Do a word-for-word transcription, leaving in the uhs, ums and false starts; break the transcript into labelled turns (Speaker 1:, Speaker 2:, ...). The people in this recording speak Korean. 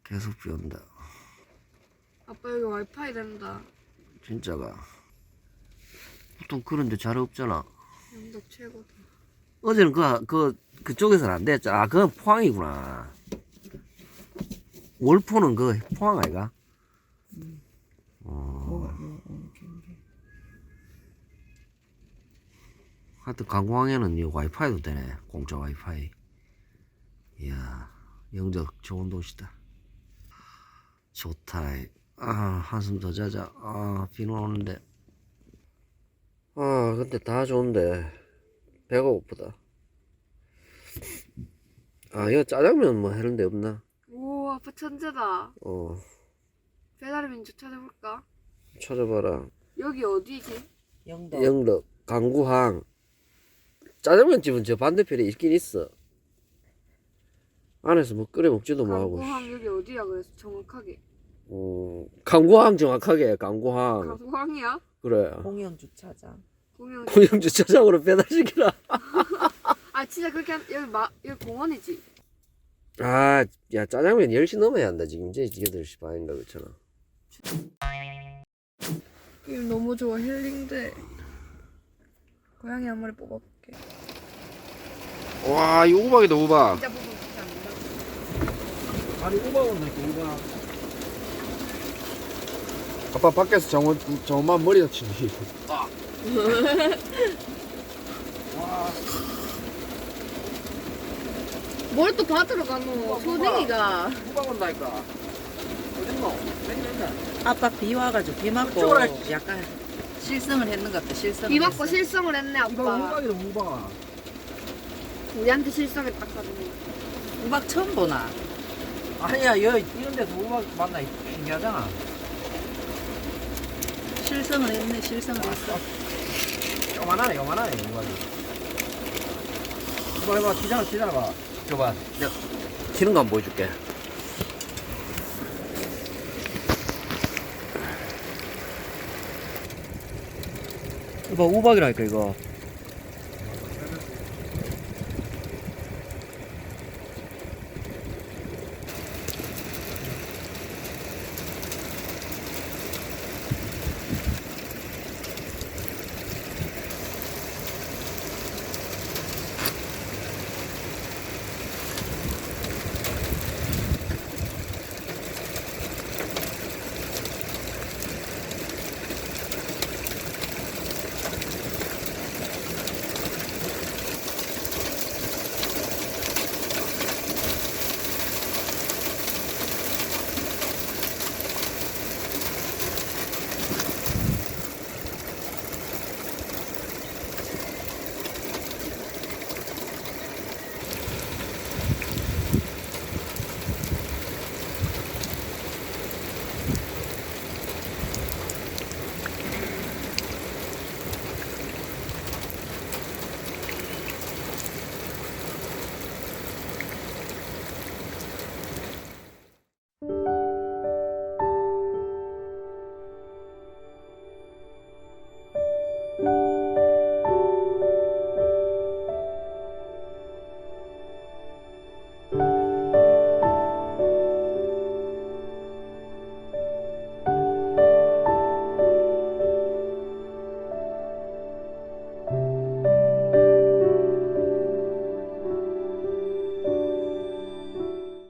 Speaker 1: 계속 비 온다.
Speaker 2: 아빠 여기 와이파이 된다.
Speaker 1: 진짜가. 보통 그런데 잘 없잖아.
Speaker 2: 영덕 최고다.
Speaker 1: 어제는 그, 그, 그쪽에서는 안 됐죠. 아, 그건 포항이구나. 월포는 그 포항 아이가?
Speaker 3: 음.
Speaker 1: 어.
Speaker 3: 뭐, 뭐, 어,
Speaker 1: 하여튼 강공항에는 이 와이파이도 되네. 공짜 와이파이. 이야, 영적 좋은 도시다. 좋다. 아, 한숨 더 자자. 아, 비는 오는데. 아, 근데 다 좋은데 배가 고프다. 아, 이거 짜장면 뭐 하는 데 없나?
Speaker 2: 오 아빠 천재다.
Speaker 1: 어,
Speaker 2: 배달의 민족 찾아볼까?
Speaker 1: 찾아봐라.
Speaker 2: 여기 어디지?
Speaker 3: 영덕.
Speaker 1: 영덕 강구항. 짜장면 집은 저 반대편에 있긴 있어. 안에서 뭐 끓여 먹지도 뭐하고.
Speaker 2: 강구항 여기 어디야 그래서 정확하게.
Speaker 1: 어, 강구항 정확하게 강구항.
Speaker 2: 강구항이야?
Speaker 1: 그래.
Speaker 3: 공영 주차장.
Speaker 2: 공영.
Speaker 1: 공영 주차장으로 배달시키라.
Speaker 2: 아 진짜 그렇게 한, 여기 마 여기 공원이지?
Speaker 1: 아, 야, 짜장면 열 시 넘어야 한다. 지금 이제 여덟 시 반인가 그렇잖아.
Speaker 2: 이 너무 좋아 힐링돼. 고양이 한 마리 뽑아볼게.
Speaker 1: 와, 이 우박이다, 우박.
Speaker 2: 진짜 뽑으면 진짜 안 된다.
Speaker 1: 아니, 우박 온다, 우박. 아빠 밖에서 정원, 정원만 머리 다치니. 아. 와.
Speaker 2: 뭘 또 받으러 가노? 소댕이가.
Speaker 1: 우박 온다니까. 어딨노? 맨날.
Speaker 3: 아빠 비 와가지고 비 맞고
Speaker 1: 어쩌라.
Speaker 3: 약간 실성을 했는 것 같아. 실성.
Speaker 2: 비 맞고 실성을 했네
Speaker 1: 이거
Speaker 2: 아빠.
Speaker 1: 우박이다, 우박.
Speaker 2: 우리한테 실성했다 카드네.
Speaker 3: 우박 처음 보나?
Speaker 1: 아니야, 여 이런 데서 우박 만나 신기하잖아.
Speaker 3: 실성을 했네. 실성을 했어.
Speaker 1: 요만하네, 요만하네, 우박이. 이거 해봐, 기잖아, 기잖아. 줘봐. 내가 튀는 거 한번 보여줄게. 이거 우박이라니까, 이거.